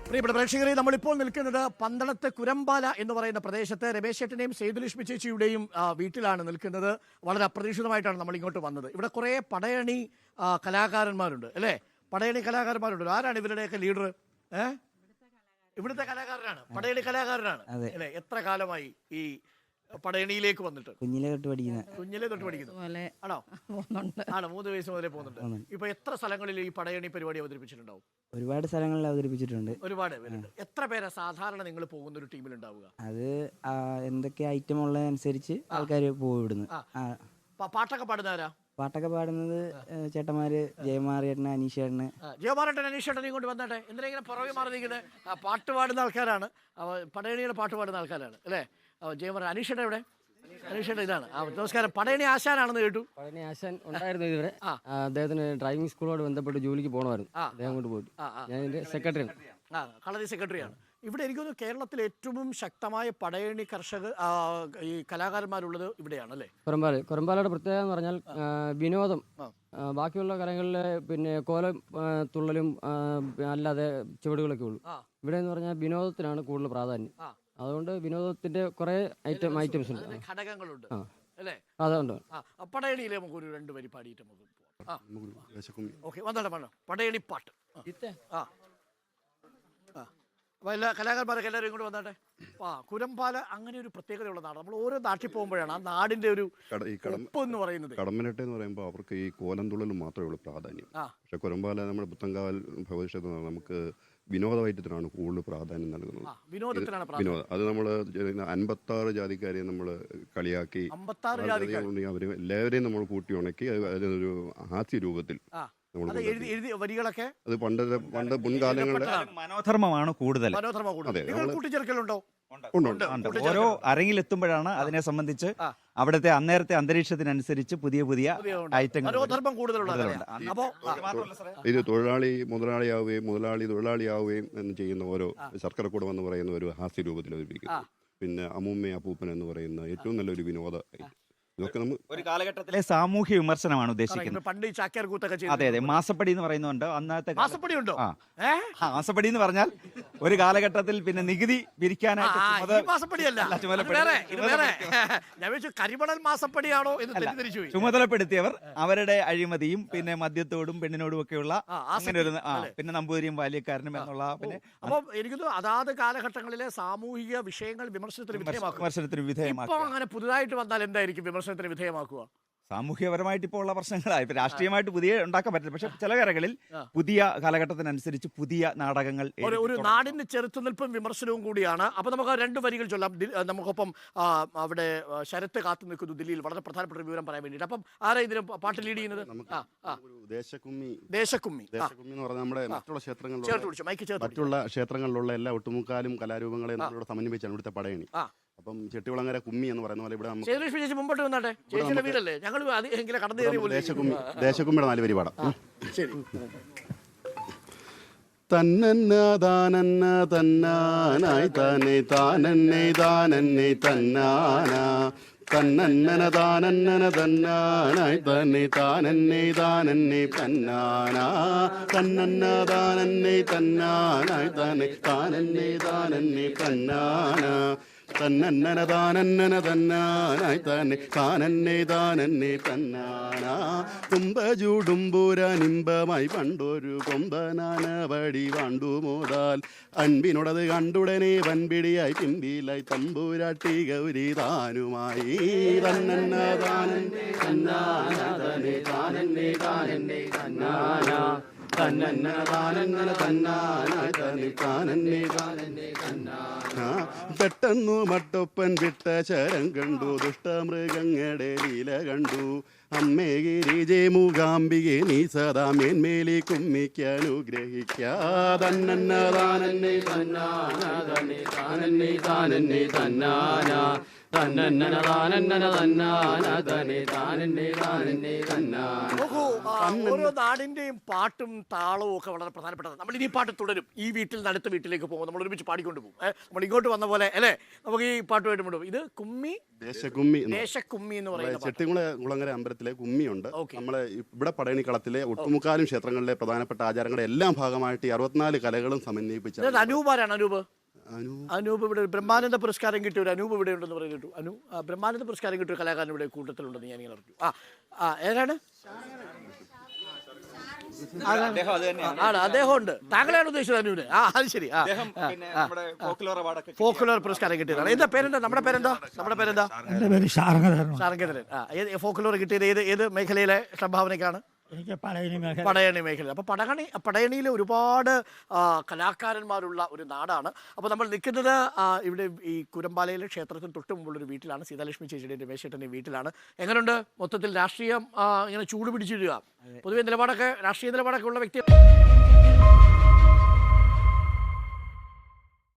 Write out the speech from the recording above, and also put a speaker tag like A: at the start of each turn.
A: പ്രിയപ്പെട്ട പ്രേക്ഷകരെ, നമ്മളിപ്പോൾ നിൽക്കുന്നത് പന്തളത്ത് കുരമ്പാല എന്ന് പറയുന്ന പ്രദേശത്ത് രമേശ് ചേട്ടന്റെയും സേതുലക്ഷ്മി ചേച്ചിയുടെയും വീട്ടിലാണ് നിൽക്കുന്നത്. വളരെ അപ്രതീക്ഷിതമായിട്ടാണ് നമ്മൾ ഇങ്ങോട്ട് വന്നത്. ഇവിടെ കുറേ പടയണി കലാകാരന്മാരുണ്ട് അല്ലേ? പടയണി കലാകാരന്മാരുണ്ട്. ആരാണ് ഇവരുടെയൊക്കെ ലീഡർ? ഇവിടുത്തെ കലാകാരനാണ്, പടയണി കലാകാരനാണ് അല്ലേ? എത്ര കാലമായി ഈ പടയണിയിലേക്ക് വന്നിട്ട്?
B: കുഞ്ഞിലെ തൊട്ട്
A: പഠിക്കുന്നു ആണോ? 3 വയസ്സ് മുതലേ പോകുന്നുണ്ട്. ഇപ്പൊ എത്ര സ്ഥലങ്ങളിൽ ഈ പടയണി പരിപാടി അവതരിപ്പിച്ചിട്ടുണ്ടാവും?
B: ഒരുപാട് സ്ഥലങ്ങളിൽ അവതരിപ്പിച്ചിട്ടുണ്ട്.
A: ഒരുപാട് പേരുണ്ട്. എത്ര പേരാ സാധാരണ നിങ്ങൾ പോകുന്ന ഒരു ടീമിൽ ഉണ്ടാവുക?
B: അത് എന്തൊക്കെ ഐറ്റം ഉള്ളതനുസരിച്ച് ആൾക്കാർ പോകും ഇവിടുന്ന്.
A: പാട്ടൊക്കെ പാടുന്നവരാ?
B: പാട്ടൊക്കെ പാടുന്നത് ചേട്ടന്മാര് ജയമാറിയേട്ടന്, അനീഷേട്ടന്.
A: ജയമാറേട്ടൻ, അനീഷേട്ടൻ ഇങ്ങോട്ട് വന്നട്ടെ. എന്തിനാ ഇങ്ങനെ പുറകെ മാറി നിൽക്കുന്നത്? പാട്ട് പാടുന്ന ആൾക്കാരാണ്, പടയണിയുടെ പാട്ട് പാടുന്ന ആൾക്കാരാണ് അല്ലേ? ജയമാറ, അനീഷേട്ടൻ എവിടെ? അനീഷേട്ടൻ ഇതാണ്. നമസ്കാരം. പടയണി ആശാനാണെന്ന് കേട്ടു.
C: പടയണി ആശാൻ ഉണ്ടായിരുന്നു ഇതുവരെ. അദ്ദേഹത്തിന് ഡ്രൈവിംഗ് സ്കൂളോട് ബന്ധപ്പെട്ട് ജോലിക്ക് പോകണമായിരുന്നു. അദ്ദേഹം കൊണ്ട് പോയി. ഞാൻ ഇതിന്റെ സെക്രട്ടറിയാണ്.
A: കളരി സെക്രട്ടറിയാണ്. ഇവിടെ എനിക്ക് തോന്നുന്നു കേരളത്തിൽ ഏറ്റവും ശക്തമായ പടയണി കർഷകർ ഈ കലാകാരന്മാരുള്ളത് ഇവിടെയാണ് അല്ലേ?
C: കൊരമ്പാലയുടെ പ്രത്യേകത എന്ന് പറഞ്ഞാൽ വിനോദം. ബാക്കിയുള്ള കലകളിലെ പിന്നെ കോലം തുള്ളലും അല്ലാതെ ചുവടുകളൊക്കെ ഉള്ളൂ. ഇവിടെ എന്ന് പറഞ്ഞാൽ വിനോദത്തിനാണ് കൂടുതൽ പ്രാധാന്യം. അതുകൊണ്ട് വിനോദത്തിന്റെ കുറെ ഐറ്റംസ് ഉണ്ട്,
A: ഘടകങ്ങളുണ്ട് അല്ലേ?
C: അതുകൊണ്ട്
A: പടയണിയിലെ നമുക്ക് ഒരു 2 വരി പാടിയിട്ട് നമുക്ക് പടയണി പാട്ട്. അപ്പോൾ എല്ലാ കലാകാരന്മാരൊക്കെ എല്ലാവരും ഇങ്ങോട്ട് വന്നാട്ടെ. കുരമ്പാല അങ്ങനെ ഒരു പ്രത്യേകതയുള്ള നാട്. നമ്മൾ ഓരോ നാട്ടിൽ പോകുമ്പോഴാണ് ആ നാടിന്റെ ഒരു ഉപ്പ് എന്ന് പറയുന്നത്.
D: കടമ്മനിട്ട എന്ന് പറയുമ്പോൾ അവർക്ക് ഈ കോലം തുള്ളലും മാത്രമേ ഉള്ളൂ പ്രാധാന്യം. പക്ഷെ കുരമ്പാല നമ്മുടെ പുത്തങ്കാവൽ ഭഗവതി നമുക്ക് വിനോദവൈദ്യത്തിനാണ് കൂടുതൽ പ്രാധാന്യം നൽകുന്നത്. വിനോദം അത് നമ്മൾ 56 ജാതിക്കാരെ നമ്മൾ കളിയാക്കി അവർ എല്ലാവരെയും നമ്മൾ കൂട്ടി ഉണക്കി അതിനൊരു ഹാസ്യ രൂപത്തിൽ
A: വരികളൊക്കെ.
D: അത് പണ്ട് മുൻകാലങ്ങളിൽ
E: മനോധർമ്മമാണ് കൂടുതൽ.
A: കൂട്ടിച്ചേർക്കലുണ്ടോ?
E: ഓരോ അരങ്ങിലെത്തുമ്പോഴാണ് അതിനെ സംബന്ധിച്ച് അവിടുത്തെ അന്നേരത്തെ അന്തരീക്ഷത്തിനനുസരിച്ച് പുതിയ ഐറ്റങ്ങൾ.
D: ഇത് തൊഴിലാളി മുതലാളിയാവുകയും മുതലാളി തൊഴിലാളിയാവുകയും എന്ന് ചെയ്യുന്ന ഓരോ ശർക്കരക്കൂടം എന്ന് പറയുന്ന ഒരു ഹാസ്യ രൂപത്തിൽ അവതരിപ്പിക്കുന്നു. പിന്നെ അമ്മൂമ്മ അപ്പൂപ്പൻ എന്ന് പറയുന്ന ഏറ്റവും നല്ലൊരു വിനോദ ഇതൊക്കെ
E: ഒരു കാലഘട്ടത്തിലെ സാമൂഹ്യ വിമർശനമാണ് ഉദ്ദേശിക്കുന്നത്.
A: പണ്ട്
E: അതെ അതെ, മാസപ്പടി എന്ന് പറയുന്നുണ്ട്. അന്നത്തെ
A: മാസപ്പടി ഉണ്ടോ?
E: മാസപ്പടി എന്ന് പറഞ്ഞാൽ ഒരു കാലഘട്ടത്തിൽ പിന്നെ നികുതി പിരിക്കാനായിട്ട് ചുമതലപ്പെടുത്തിയവർ അവരുടെ അഴിമതിയും പിന്നെ മദ്യത്തോടും പെണ്ണിനോടും ഒക്കെയുള്ള അങ്ങനെ ഒരു പിന്നെ നമ്പൂതിരിയും ബാല്യക്കാരനും എന്നുള്ള പിന്നെ
A: അപ്പൊ എനിക്ക് അതാത് കാലഘട്ടങ്ങളിലെ സാമൂഹിക വിഷയങ്ങൾ വിമർശനത്തിന് വിധേയമാക്കും. അങ്ങനെ പുതുതായിട്ട് വന്നാൽ എന്തായിരിക്കും വിമർശനത്തിന് വിധേയമാക്കുക?
E: സാമൂഹ്യപരമായിട്ട് ഇപ്പോൾ ഉള്ള പ്രശ്നങ്ങളായി. ഇപ്പൊ രാഷ്ട്രീയമായിട്ട് പുതിയ ഉണ്ടാക്കാൻ പറ്റില്ല. പക്ഷെ ചില കരകളിൽ പുതിയ കാലഘട്ടത്തിനനുസരിച്ച് പുതിയ നാടകങ്ങൾ.
A: ഒരു നാടിന്റെ ചെറുത്തുനിൽപ്പും വിമർശനവും കൂടിയാണ്. അപ്പൊ നമുക്ക് 2 വരികൾ ചൊല്ലാം. നമുക്കൊപ്പം അവിടെ ശരത്ത് കാത്തു നിൽക്കുന്നു ദില്ലിയിൽ. വളരെ പ്രധാനപ്പെട്ട ഒരു വിവരം പറയാൻ വേണ്ടിയിട്ട്. അപ്പം ആരാ ഇതിന് പാട്ട് ലീഡ് ചെയ്യുന്നത്?
D: ദേശക്കുമ്മി
A: എന്ന്
D: പറഞ്ഞാൽ നമ്മുടെ മറ്റുള്ള ക്ഷേത്രങ്ങളിലുള്ള എല്ലാ ഒട്ടുമുക്കാലും കലാരൂപങ്ങളെ നമ്മളോട് സമന്വയിച്ചാണ് ഇവിടുത്തെ പടയണി. അപ്പം ചെട്ടികുളങ്ങര കുമ്മി എന്ന് പറയുന്ന പോലെ ഇവിടെ
A: മുമ്പോട്ട് വന്നാട്ടെ. ചേച്ചിയുടെ വീടല്ലേ? ഞങ്ങൾ കടന്നു കയറി
D: ദേശക്കുമ്മിയുടെ 4 വരി പാടാം.
A: ശരി.
D: തന്നന്ന താനന്ന തന്നാനായി താനെ താനന്നെ താനന്നെ തന്നാന തന്നന്നന താനന്നന തന്നാനായി തന്നെ താനന്നെ താനന്നെ തന്നാന തന്നന്ന താനന്നെ തന്നാനായി തന്നെ താനന്നെ താനന്നെ തന്നാന തന്നന്നന താനന്നന തന്നാനായി തന്നെ താനന്നെ താനന്നെ തന്നാന കുംഭചൂടുമ്പൂരനിമ്പമായി പണ്ടൊരു കൊമ്പനാന വടി വണ്ടു മോതാൽ അൻപിനോടത് കണ്ടുടനെ വൻപിടിയായി പിമ്പിലായി തമ്പൂരാട്ടി ഗൗരി താനുമായി തന്നന്ന താനന്നെ തന്നാന തന്നെ താനന്നെ താനന്നെ തന്നാന തന്നന്ന താനന്നന തന്നാനായി തന്നെ താനന്നെ താനന്നെ തന്നാന പെട്ടെന്നു മട്ടൊപ്പൻ വിട്ട ശരം കണ്ടു ദുഷ്ടമൃഗങ്ങളുടെ ലീല കണ്ടു അമ്മേ ഗിരിജേ മൂകാംബികെ നീ സദാ മേന്മേലി കുമ്മിക്കനുഗ്രഹിക്കാതന്നെ താനന്നെ തന്നാന തന്നെ താനന്നെ താനന്നെ തന്നാന
C: തന്നന്നന താനന്നന തന്നാന തനെ താനന്നെ താനന്നെ തന്നാന.
A: നോക്കൂ, ഓരോ നാടിന്റെയും പാട്ടും താളവും ഒക്കെ വളരെ പ്രധാനപ്പെട്ടതാണ്. നമ്മൾ ഇനി പാട്ട് തുടരും. ഈ വീട്ടിൽ നിന്ന് അടുത്ത വീട്ടിലേക്ക് പോകും, നമ്മൾ ഒരുമിച്ച് പാടിക്കൊണ്ട് പോകും. നമ്മൾ ഇങ്ങോട്ട് വന്ന പോലെ അല്ലേ, നമുക്ക് ഈ പാട്ടുമായിട്ട് മുണ്ടും. ഇത് കുമ്മി,
D: ദേശക്കുമ്മി
A: ദേശക്കുമ്മി എന്ന് പറയുന്നത്
D: ചെട്ടികുളങ്ങര അമ്പലത്തിലെ കുമ്മിയുണ്ട്.
A: Okay.
D: നമ്മളെ ഇവിടെ പടയണിക്കളത്തിലെ ഒട്ടുമുക്കാലും ക്ഷേത്രങ്ങളിലെ പ്രധാനപ്പെട്ട ആചാരങ്ങളുടെ എല്ലാം ഭാഗമായിട്ട് ഈ 64 കലകളും സമന്വയിപ്പിച്ച
A: അനൂപാരാണ്. അനൂപ്
D: അനു
A: അനൂപ് ഇവിടെ ബ്രഹ്മാനന്ദ പുരസ്കാരം കിട്ടിയ ഒരു അനൂപ് ഇവിടെ ഉണ്ടെന്ന് പറഞ്ഞു കേട്ടു. ബ്രഹ്മാനന്ദ പുരസ്കാരം കിട്ടിയ ഒരു കലാകാരൻ ഇവിടെ കൂട്ടത്തിലുണ്ടെന്ന് ഞാനിങ്ങനെ അറിഞ്ഞു. ഏതാണ്?
E: അദ്ദേഹം അത് തന്നെയാണ്.
A: ആണ്, അദ്ദേഹം ഉണ്ട്. താങ്കളെയാണ് ഉദ്ദേശിച്ചത് അനുവിന്? അത് ശരി.
E: അദ്ദേഹം പിന്നെ നമ്മുടെ ഫോക്ലോർ അവാർഡൊക്കെ
A: ഫോക്കുലർ പുരസ്കാരം കിട്ടിയതാണ്. എന്താ പേരെന്താ? നമ്മുടെ പേരെന്താ?
F: എൻ്റെ പേര് ഷാർങ്ങധരൻ.
A: ശാരംഗധരൻ. ഫോക്കുലർ കിട്ടിയത് ഏത് മേഖലയിലെ സംഭാവനയ്ക്കാണ്?
F: എനിക്ക് പടയണി മേഖല.
A: പടയണി മേഖല. അപ്പോൾ പടയണിയിൽ ഒരുപാട് കലാകാരന്മാരുള്ള ഒരു നാടാണ്. അപ്പോൾ നമ്മൾ നിൽക്കുന്നത് ഇവിടെ ഈ കുരമ്പാലയിലെ ക്ഷേത്രത്തിന് തൊട്ട് മുമ്പുള്ളൊരു വീട്ടിലാണ്. സീതാലക്ഷ്മി ചേച്ചിയുടെ രമേശേട്ടൻ്റെ വീട്ടിലാണ്. എങ്ങനെയുണ്ട് മൊത്തത്തിൽ രാഷ്ട്രീയം ഇങ്ങനെ ചൂട് പിടിച്ചിടുക? പൊതുവെ നിലപാടൊക്കെ, രാഷ്ട്രീയ നിലപാടൊക്കെ ഉള്ള വ്യക്തി